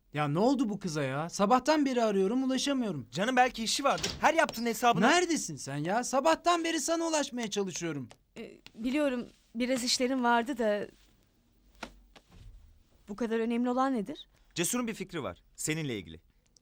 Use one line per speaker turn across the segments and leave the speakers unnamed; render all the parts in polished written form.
Ya ne oldu bu kıza ya? Sabahtan beri arıyorum, ulaşamıyorum.
Canım belki işi vardır. Her yaptığın hesabını...
Neredesin sen ya? Sabahtan beri sana ulaşmaya çalışıyorum.
Biliyorum biraz işlerim vardı da... Bu kadar önemli olan nedir?
Cesur'un bir fikri var. Seninle ilgili.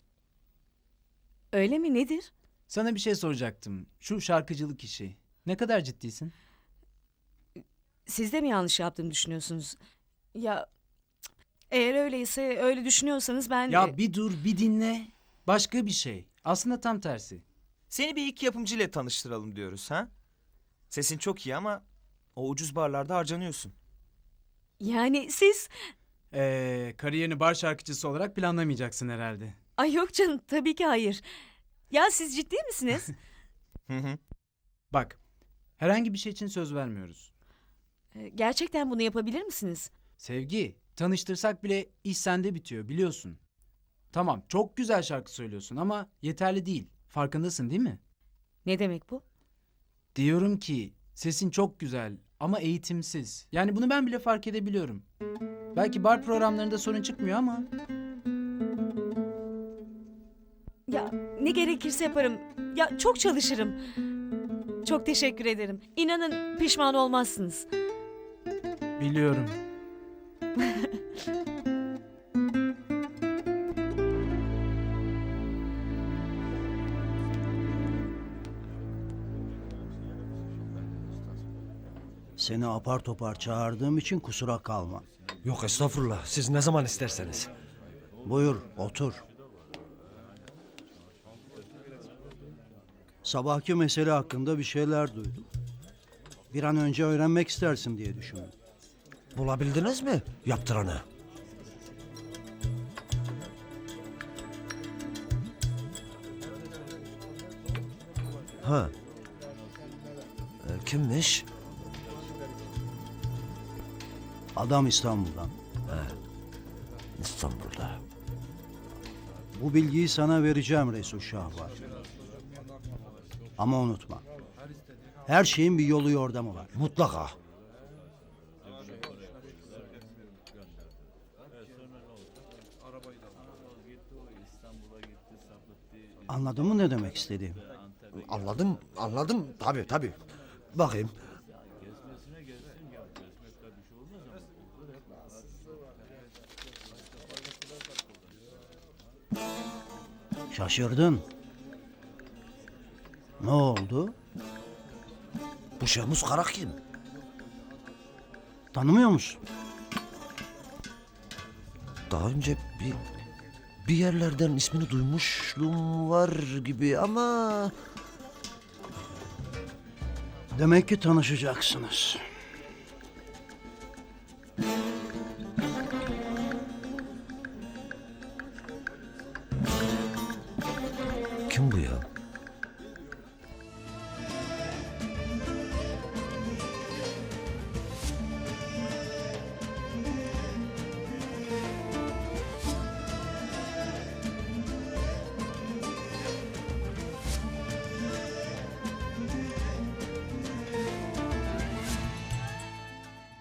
Öyle mi, nedir?
Sana bir şey soracaktım. Şu şarkıcılık işi. Ne kadar ciddisin?
Siz de mi yanlış yaptığımı düşünüyorsunuz? Ya eğer öyleyse öyle düşünüyorsanız ben...
Ya bir dur, bir dinle. Başka bir şey. Aslında tam tersi.
Seni bir iki yapımcıyla tanıştıralım diyoruz ha? Sesin çok iyi ama o ucuz barlarda harcanıyorsun.
Yani siz...
Kariyerini bar şarkıcısı olarak planlamayacaksın herhalde.
Ay yok canım, tabii ki hayır. Ya siz ciddi misiniz?
Hı hı.
Bak, herhangi bir şey için söz vermiyoruz.
Gerçekten bunu yapabilir misiniz?
Sevgi, tanıştırsak bile iş sende bitiyor biliyorsun. Tamam, çok güzel şarkı söylüyorsun ama yeterli değil. Farkındasın değil mi?
Ne demek bu?
Diyorum ki sesin çok güzel ama eğitimsiz. Yani bunu ben bile fark edebiliyorum. Belki bar programlarında sorun çıkmıyor ama
Ya ne gerekirse yaparım. Ya çok çalışırım. Çok teşekkür ederim. İnanın pişman olmazsınız.
biliyorum.
Seni apar topar çağırdığım için kusura kalma.
Yok estağfurullah. Siz ne zaman isterseniz.
Buyur, otur. Sabahki mesele hakkında bir şeyler duydum. Bir an önce öğrenmek istersin diye düşündüm.
Bulabildiniz mi yaptıranı? Ha. Kimmiş?
Adam İstanbul'dan.
İstanbul'da.
Bu bilgiyi sana vereceğim Resul Şahvar. Ama unutma. Her şeyin bir yolu yordamı var.
Mutlaka.
Anladın mı ne demek istediğimi?
Anladım. Tabii. Bakayım.
Şaşırdın. Ne oldu?
Bu Şehmus Karak kim?
Tanımıyor musun?
Daha önce bir yerlerden ismini duymuşluğum var gibi ama...
Demek ki tanışacaksınız.